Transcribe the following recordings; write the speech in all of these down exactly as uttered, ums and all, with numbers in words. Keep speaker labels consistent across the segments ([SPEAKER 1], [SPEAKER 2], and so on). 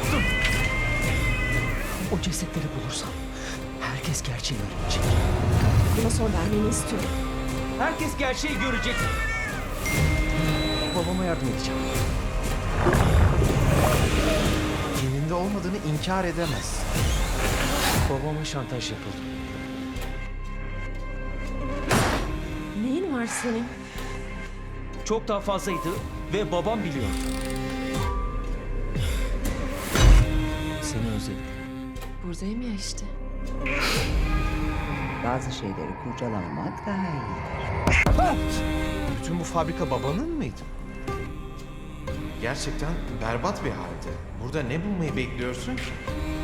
[SPEAKER 1] yaptın? O cesetleri bulursam herkes gerçeği öğrenecek.
[SPEAKER 2] Buna son vermeni istiyorum.
[SPEAKER 1] Herkes gerçeği görecek. Babama yardım edeceğim.
[SPEAKER 3] Kendinde olmadığını inkar edemez.
[SPEAKER 1] Babama şantaj yapıldı.
[SPEAKER 2] Neyin var senin?
[SPEAKER 1] Çok daha fazlaydı ve babam biliyor. Seni özledim.
[SPEAKER 2] Buradayım ya işte.
[SPEAKER 4] Bazı şeyleri kurcalamamak daha iyi.
[SPEAKER 3] Bütün bu fabrika babanın mıydı? Gerçekten berbat bir halde. Burada ne bulmayı bekliyorsun ki?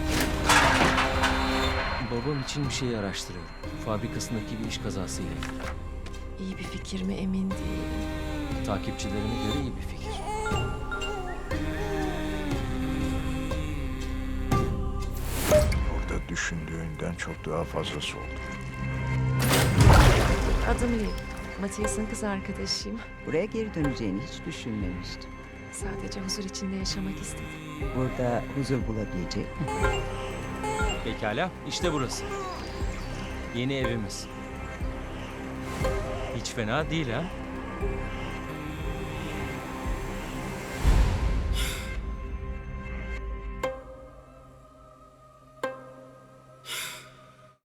[SPEAKER 1] Babam için bir şey araştırıyorum. Fabrikasındaki bir iş kazasıyla ilgili.
[SPEAKER 2] İyi bir fikir mi emin değilim.
[SPEAKER 1] Takipçilerime göre iyi bir fikir.
[SPEAKER 5] Orada düşündüğünden çok daha fazlası oldu.
[SPEAKER 2] Adım Lee. Matias'ın kız arkadaşıyım.
[SPEAKER 4] Buraya geri döneceğini hiç düşünmemiştim.
[SPEAKER 2] Sadece huzur içinde yaşamak istedim.
[SPEAKER 4] Burada huzur bulabilecek mi?
[SPEAKER 1] Pekala, işte burası. Yeni evimiz. Hiç fena değil ha?